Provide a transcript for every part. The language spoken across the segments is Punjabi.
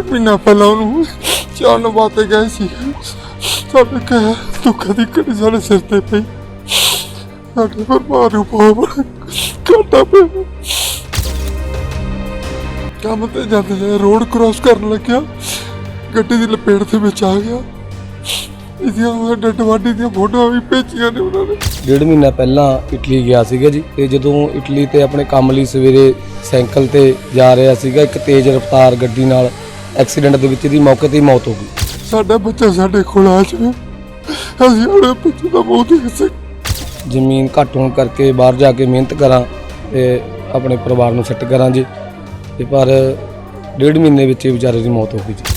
ਮਹੀਨਾ ਪਹਿਲਾਂ ਉਹਨੂੰ ਚਾਣ ਵਾਸਤੇ ਗਏ ਸੀ। ਸਾਡੇ ਕਹਿ ਦੁੱਖਾਂ ਦੀ ਘੜੀ ਸਾਡੇ ਸਿਰ ਤੇ ਪਈ। ਸਾਡੇ ਪਰਿਵਾਰ ਨੂੰ ਬਹੁਤ ਘਾਟਾ ਪਿਆ। ਕੰਮ ਤੇ ਜਾਂਦੇ ਰੋਡ ਕ੍ਰਾਸ ਕਰਨ ਲੱਗਿਆ, ਗੱਡੀ ਦੀ ਲਪੇਟ ਦੇ ਵਿੱਚ ਆ ਗਿਆ। ਇਹਦੀਆਂ ਡੱਡ ਵਾਢੀ ਦੀਆਂ ਫੋਟੋਆਂ ਵੀ ਭੇਜੀਆਂ ਨੇ ਉਹਨਾਂ ਨੇ। 1.5 ਮਹੀਨਾ ਪਹਿਲਾਂ ਇਟਲੀ ਗਿਆ ਸੀਗਾ ਜੀ, ਤੇ ਜਦੋਂ ਇਟਲੀ ਤੇ ਆਪਣੇ ਕੰਮ ਲਈ ਸਵੇਰੇ ਸਾਈਕਲ ਤੇ ਜਾ ਰਿਹਾ ਸੀਗਾ, ਇੱਕ ਤੇਜ਼ ਰਫ਼ਤਾਰ ਗੱਡੀ ਨਾਲ ਐਕਸੀਡੈਂਟ ਦੇ ਵਿੱਚ ਇਹਦੀ ਮੌਕੇ ਤੇ ਹੀ ਮੌਤ ਹੋ ਗਈ। ਸਾਡਾ ਬੱਚਾ ਸਾਡੇ ਕੋਲ ਆ ਜਾਵੇ, ਅਸੀਂ ਆਪਣੇ ਬੱਚੇ ਦਾ ਮੂੰਹ ਦੇਖ ਸਕ। ਜ਼ਮੀਨ ਘੱਟ ਹੋਣ ਕਰਕੇ ਬਾਹਰ ਜਾ ਕੇ ਮਿਹਨਤ ਕਰਾਂ ਤੇ ਆਪਣੇ ਪਰਿਵਾਰ ਨੂੰ ਸੈੱਟ ਕਰਾਂ ਜੀ, ਤੇ ਪਰ 1.5 ਮਹੀਨੇ ਵਿੱਚ ਹੀ ਵਿਚਾਰੇ ਦੀ ਮੌਤ ਹੋ ਗਈ ਜੀ।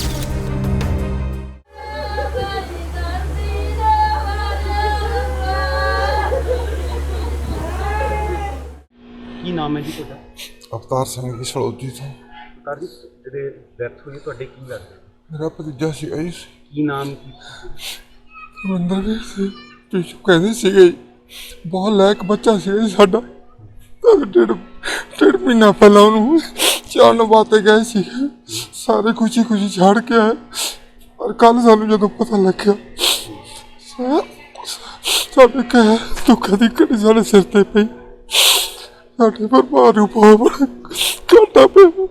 ਕੀ ਨਾਮ ਹੈ ਜੀ ਤੁਹਾਡਾ? ਅਵਤਾਰ ਸਿੰਘ ਜੀ, ਸਲੌਜੀ ਤੋਂ। ਅਵਤਾਰ ਜੀ, ਜਿਹੜੇ ਡੈਥ ਹੋਈ ਤੁਹਾਡੇ ਕੀ ਲੱਗਦੇ? ਮੇਰਾ ਭਤੀਜਾ ਸੀ ਜੀ। ਕੀ ਨਾਮ ਕੀ? ਰਵਿੰਦਰ ਸੀ। ਤੁਸੀਂ ਕਹਿੰਦੇ ਸੀਗੇ ਬਹੁਤ ਲਾਇਕ ਬੱਚਾ ਸੀ ਸਾਡਾ। ਡੇਢ ਮਹੀਨਾ ਪਹਿਲਾਂ ਉਹਨੂੰ ਚਾਣ ਵਾਸਤੇ ਗਏ ਸੀ, ਸਾਰੇ ਖੁਸ਼ੀ ਖੁਸ਼ੀ ਛੱਡ ਕੇ ਆਏ। ਪਰ ਕੱਲ ਸਾਨੂੰ ਜਦੋਂ ਪਤਾ ਲੱਗਿਆ, ਸਾਡੇ ਕਹਿ ਦੁੱਖਾਂ ਦੀ ਘੜੀ ਸਾਡੇ ਸਿਰ ਤੇ ਪਈ। ਸਾਡੇ ਪਰਿਵਾਰ ਨੂੰ ਬਹੁਤ ਘਾਟਾ ਪਿਆ।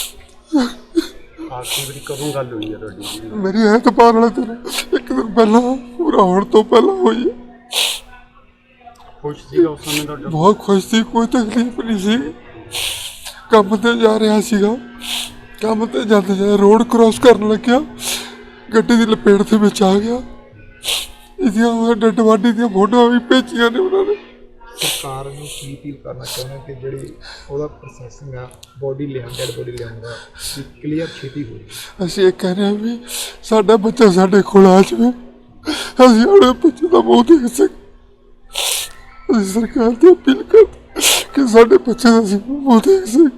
ਆਖਰੀ ਵਾਰੀ ਕਦੋਂ ਗੱਲ ਹੋਈ ਹੈ ਤੁਹਾਡੀ? ਮੇਰੀ ਐਤਵਾਰ ਵਾਲੇ ਦਿਨ, ਇੱਕ ਦਿਨ ਪਹਿਲਾਂ, ਪੂਰਾ ਹੋਣ ਤੋਂ ਪਹਿਲਾਂ ਹੋਈ ਹੈ। ਖੁਸ਼ ਸੀਗਾ ਉਸ ਸਮੇਂ ਤੁਹਾਡਾ? ਬਹੁਤ ਖੁਸ਼ ਸੀ, ਕੋਈ ਤਕਲੀਫ ਨਹੀਂ ਸੀ। ਕੰਮ ਤੇ ਜਾ ਰਿਹਾ ਸੀਗਾ, ਕੰਮ ਤੇ ਜਾਂਦੇ ਰੋਡ ਕ੍ਰਾਸ ਕਰਨ ਲੱਗਿਆ, ਗੱਡੀ ਦੀ ਲਪੇਟ ਦੇ ਵਿੱਚ ਆ ਗਿਆ। ਇਹਦੀਆਂ ਡੱਡ ਵਾਢੀ ਦੀਆਂ ਫੋਟੋਆਂ ਵੀ ਭੇਜੀਆਂ ਨੇ ਉਹਨਾਂ ਨੇ। ਸਰਕਾਰ ਨੂੰ ਕੀ ਅਪੀਲ ਕਰਨਾ ਚਾਹੁੰਦੇ ਕਿ ਜਿਹੜੀ ਉਹਦਾ ਪ੍ਰੋਸੈਸਿੰਗ ਆ, ਬੋਡੀ ਲਿਆਉਣ, ਡੈਡ ਬੋਡੀ ਲਿਆਉਣ ਦਾ ਕਲੀਅਰ ਛੇਤੀ ਹੋਵੇ। ਅਸੀਂ ਇਹ ਕਹਿ ਰਹੇ ਹਾਂ ਵੀ ਸਾਡਾ ਬੱਚਾ ਸਾਡੇ ਕੋਲ ਆ ਜਾਵੇ, ਅਸੀਂ ਆਪਣੇ ਬੱਚੇ ਦਾ ਮੂੰਹ ਦੇਖ ਸਕ। ਅਸੀਂ ਸਰਕਾਰ ਦੀ ਅਪੀਲ ਕਰਦੇ ਕਿ ਸਾਡੇ ਬੱਚੇ ਦਾ ਅਸੀਂ ਮੂੰਹ ਦੇਖ ਸਕ।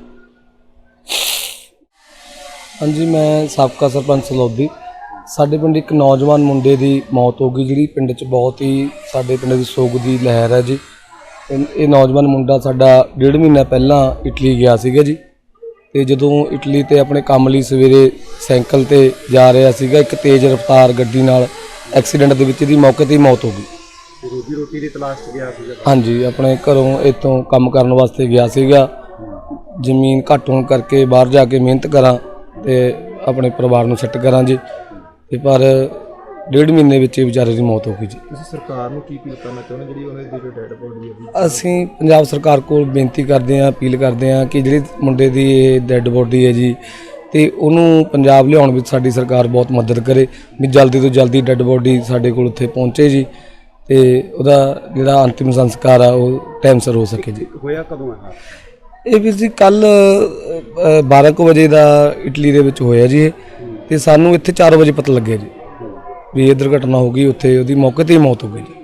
ਹਾਂਜੀ, ਮੈਂ ਸਾਬਕਾ ਸਰਪੰਚ ਸਲੌਦੀ। ਸਾਡੇ ਪਿੰਡ ਇੱਕ ਨੌਜਵਾਨ ਮੁੰਡੇ ਦੀ ਮੌਤ ਹੋ ਗਈ, ਜਿਹੜੀ ਪਿੰਡ 'ਚ ਬਹੁਤ ਹੀ ਸਾਡੇ ਪਿੰਡ ਦੀ ਸੋਗ ਦੀ ਲਹਿਰ ਹੈ ਜੀ। ਇਹ ਨੌਜਵਾਨ ਮੁੰਡਾ ਸਾਡਾ 1.5 ਮਹੀਨਾ ਪਹਿਲਾਂ ਇਟਲੀ ਗਿਆ ਸੀਗਾ ਜੀ, ਤੇ ਜਦੋਂ ਇਟਲੀ ਤੇ ਆਪਣੇ ਕੰਮ ਲਈ ਸਵੇਰੇ ਸਾਈਕਲ ਤੇ ਜਾ ਰਿਹਾ ਸੀਗਾ, ਇੱਕ ਤੇਜ਼ ਰਫ਼ਤਾਰ ਗੱਡੀ ਨਾਲ ਐਕਸੀਡੈਂਟ ਦੇ ਵਿੱਚ ਇਹਦੀ ਮੌਕੇ ਤੇ ਹੀ ਮੌਤ ਹੋ ਗਈ। ਰੋਟੀ ਦੀ ਤਲਾਸ਼ 'ਚ ਗਿਆ ਸੀਗਾ? ਹਾਂਜੀ, ਆਪਣੇ ਘਰੋਂ ਇੱਥੋਂ ਕੰਮ ਕਰਨ ਵਾਸਤੇ ਗਿਆ ਸੀਗਾ। ਜ਼ਮੀਨ ਘੱਟ ਹੋਣ ਕਰਕੇ ਬਾਹਰ ਜਾ ਕੇ ਮਿਹਨਤ ਕਰਾਂ ਤੇ ਆਪਣੇ ਪਰਿਵਾਰ ਨੂੰ ਸੈੱਟ ਕਰਾਂ ਜੀ, ਤੇ ਪਰ 1.5 ਮਹੀਨੇ ਵਿੱਚ ਹੀ ਵਿਚਾਰੇ ਦੀ ਮੌਤ ਹੋ ਗਈ ਜੀ। ਤੁਸੀਂ ਸਰਕਾਰ ਨੂੰ ਕੀ ਅਪੀਲ ਕਰਨਾ ਚਾਹੁੰਦੇ ਜਿਹੜੀ ਉਹਨਾਂ ਦੀ ਜੋ ਡੈਡ ਬੋਡੀ ਹੈ? ਅਸੀਂ ਪੰਜਾਬ ਸਰਕਾਰ ਕੋਲ ਬੇਨਤੀ ਕਰਦੇ ਹਾਂ, ਅਪੀਲ ਕਰਦੇ ਹਾਂ ਕਿ ਜਿਹੜੀ ਮੁੰਡੇ ਦੀ ਇਹ ਡੈਡ ਬੋਡੀ ਹੈ ਜੀ, ਤੇ ਉਹਨੂੰ ਪੰਜਾਬ ਲਿਆਉਣ ਵਿੱਚ ਸਾਡੀ ਸਰਕਾਰ ਬਹੁਤ ਮਦਦ ਕਰੇ, ਵੀ ਜਲਦੀ ਤੋਂ ਜਲਦੀ ਡੈਡ ਬੋਡੀ ਸਾਡੇ ਕੋਲ ਉੱਥੇ ਪਹੁੰਚੇ ਜੀ, ਤੇ ਉਹਦਾ ਜਿਹੜਾ ਅੰਤਿਮ ਸੰਸਕਾਰ ਆ ਉਹ ਟਾਈਮ ਸਿਰ ਹੋ ਸਕੇ ਜੀ। ਹੋਇਆ ਕਦੋਂ ਹੈ ਇਹ ਵੀ ਜੀ ਕੱਲ 12 ਕੁ ਵਜੇ ਦਾ ਇਟਲੀ ਦੇ ਵਿੱਚ ਹੋਇਆ ਜੀ ਇਹ, ਤੇ ਸਾਨੂੰ ਇੱਥੇ 4 ਵਜੇ ਪਤਾ ਲੱਗਿਆ ਜੀ ਵੀ ਇਹ ਦੁਰਘਟਨਾ ਹੋ ਗਈ। ਉੱਥੇ ਉਹਦੀ ਮੌਕੇ ਤੇ ਹੀ ਮੌਤ ਹੋ ਗਈ ਜੀ।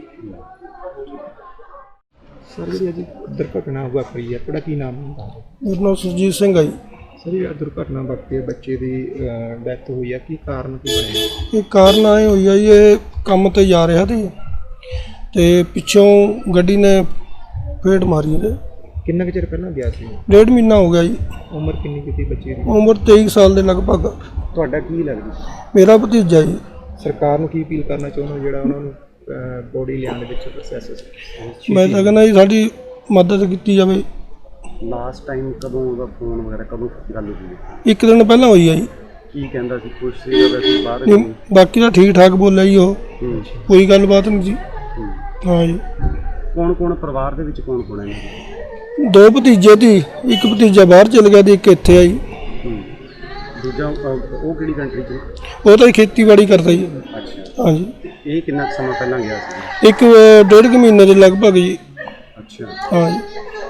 ਸਰ, ਜਿਹੜੀ ਅੱਜ ਦੁਰਘਟਨਾ ਵਾਪਰੀ ਹੈ, ਤੁਹਾਡਾ ਕੀ ਨਾਮ ਹੈ? ਮੇਰਾ ਨਾਮ ਸੁਰਜੀਤ ਸਿੰਘ ਆ ਜੀ। ਸਰ, ਇਹ ਦੁਰਘਟਨਾ ਵਾਪਰੀ, ਬੱਚੇ ਦੀ ਡੈਥ ਹੋਈ ਹੈ, ਕੀ ਕਾਰਨ ਕੀ ਬਣਿਆ? ਇਹ ਕਾਰਨ ਆਏ ਹੋਈ ਆ ਜੀ, ਇਹ ਕੰਮ ਤੇ ਜਾ ਰਿਹਾ ਸੀ ਤੇ ਪਿੱਛੋਂ ਗੱਡੀ ਨੇ ਫੇਟ ਮਾਰੀ ਇਹਦੇ। ਕਿੰਨਾ ਕੁ ਚਿਰ ਪਹਿਲਾਂ ਗਿਆ ਸੀ? 1.5 ਮਹੀਨਾ ਹੋ ਗਿਆ ਜੀ। ਉਮਰ ਕਿੰਨੀ ਕੀਤੀ ਬੱਚੇ ਦੀ? ਉਮਰ 23 ਸਾਲ ਦੇ ਲਗਭਗ। ਤੁਹਾਡਾ ਕੀ ਲੱਗਦਾ? ਮੇਰਾ ਭਤੀਜਾ ਜੀ। ਸਰਕਾਰ ਨੂੰ ਕੀ ਅਪੀਲ ਕਰਨਾ ਚਾਹੁੰਦੇ ਜਿਹੜਾ ਉਹਨਾਂ ਨੂੰ ਬੋਡੀ ਲਿਆਉਣ ਦੇ ਵਿੱਚ ਪ੍ਰੋਸੈਸ? ਮੈਂ ਤਾਂ ਕਹਿੰਦਾ ਜੀ ਸਾਡੀ ਮਦਦ ਕੀਤੀ ਜਾਵੇ। ਲਾਸਟ ਟਾਈਮ ਕਦੋਂ ਉਹਦਾ ਫੋਨ ਵਗੈਰਾ ਕਦੋਂ ਗੱਲ ਹੋਈ? ਇੱਕ ਦਿਨ ਪਹਿਲਾਂ ਹੋਈ ਆ ਜੀ। ਕੀ ਕਹਿੰਦਾ ਸੀ? ਖੁਸ਼ ਸੀਗਾ ਵੈਸੇ? ਬਾਹਰ ਨਹੀਂ, ਬਾਕੀ ਤਾਂ ਠੀਕ ਠਾਕ ਬੋਲਿਆ ਜੀ ਉਹ, ਕੋਈ ਗੱਲਬਾਤ ਨਹੀਂ ਜੀ। ਹਾਂ ਜੀ। ਕੌਣ ਕੌਣ ਪਰਿਵਾਰ ਦੇ ਵਿੱਚ ਕੌਣ ਕੌਣ ਹੈ? 2 ਭਤੀਜੇ ਸੀ, ਇੱਕ ਭਤੀਜਾ ਬਾਹਰ ਚਲ ਗਿਆ ਤੇ ਇੱਕ ਇੱਥੇ ਆਈ। ਦੂਜਾ ਉਹ ਕਿਹੜੀ ਕੰਟਰੀ 'ਚ? ਉਹ ਤਾਂ ਖੇਤੀਬਾੜੀ ਕਰਦਾ ਜੀ। ਅੱਛਾ। ਹਾਂਜੀ। ਇਹ ਕਿੰਨਾ ਸਮਾਂ ਪਹਿਲਾਂ ਗਿਆ ਸੀ? ਇੱਕ 1.5 ਮਹੀਨੇ ਦੇ ਲਗਭਗ ਜੀ। ਅੱਛਾ। ਹਾਂ ਜੀ।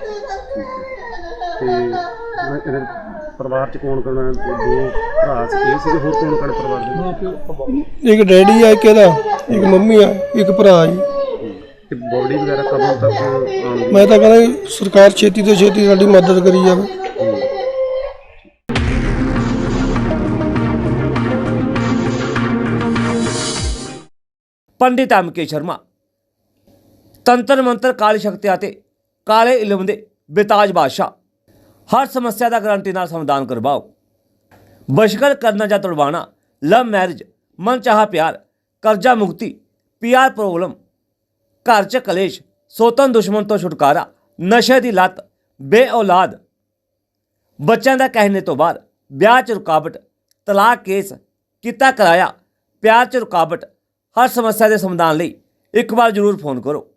ਤੇ ਇਹਦੇ ਪਰਿਵਾਰ 'ਚ ਕੌਣ ਕੌਣ? 2 ਭਰਾ ਸੀ, ਇਹ ਸੀਗੇ, ਹੋਰ ਕੌਣ ਕੌਣ ਪਰਿਵਾਰ ਦੇ? ਇੱਕ ਡੈਡੀ ਆ, ਇੱਕ ਇਹਦਾ, ਇੱਕ ਮੰਮੀ ਆ, ਇੱਕ ਭਰਾ ਜੀ। ਤੇ ਬੋਡੀ ਵਗੈਰਾ ਕਦੋਂ ਤੱਕ? ਮੈਂ ਤਾਂ ਕਹਿੰਦਾ ਜੀ ਸਰਕਾਰ ਛੇਤੀ ਤੋਂ ਛੇਤੀ ਸਾਡੀ ਮਦਦ ਕਰੀ ਜਾਵੇ। ਪੰਡਿਤ ਐਮ.ਕੇ. ਸ਼ਰਮਾ ਤੰਤਰ ਮੰਤਰ, ਕਾਲੀ ਸ਼ਕਤੀ ਅਤੇ ਕਾਲੇ ਇਲਮ ਦੇ ਬੇਤਾਜ ਬਾਦਸ਼ਾਹ। ਹਰ ਸਮੱਸਿਆ ਦਾ ਗਰੰਟੀ ਨਾਲ ਸਮਾਧਾਨ ਕਰਵਾਓ। ਬਸ਼ਕਰ ਕਰਨਾ ਜਾਂ ਤੁੜਵਾਣਾ, ਲਵ ਮੈਰਿਜ, ਮਨਚਾਹਾ ਪਿਆਰ, ਕਰਜ਼ਾ ਮੁਕਤੀ, ਪੀਆਰ ਪ੍ਰੋਬਲਮ, ਘਰ 'ਚ ਕਲੇਸ਼, ਸੋਤਨ ਦੁਸ਼ਮਣ ਤੋਂ ਛੁਟਕਾਰਾ, ਨਸ਼ੇ ਦੀ ਲੱਤ, ਬੇਔਲਾਦ, ਬੱਚਿਆਂ ਦਾ ਕਹਿਣੇ ਤੋਂ ਬਾਅਦ, ਵਿਆਹ 'ਚ ਰੁਕਾਵਟ, ਤਲਾਕ ਕੇਸ, ਕੀਤਾ ਕਿਰਾਇਆ, ਪਿਆਰ 'ਚ ਰੁਕਾਵਟ, ਹਰ ਸਮੱਸਿਆ ਦੇ ਸਮਾਧਾਨ ਲਈ ਇੱਕ ਵਾਰ ਜ਼ਰੂਰ ਫੋਨ ਕਰੋ।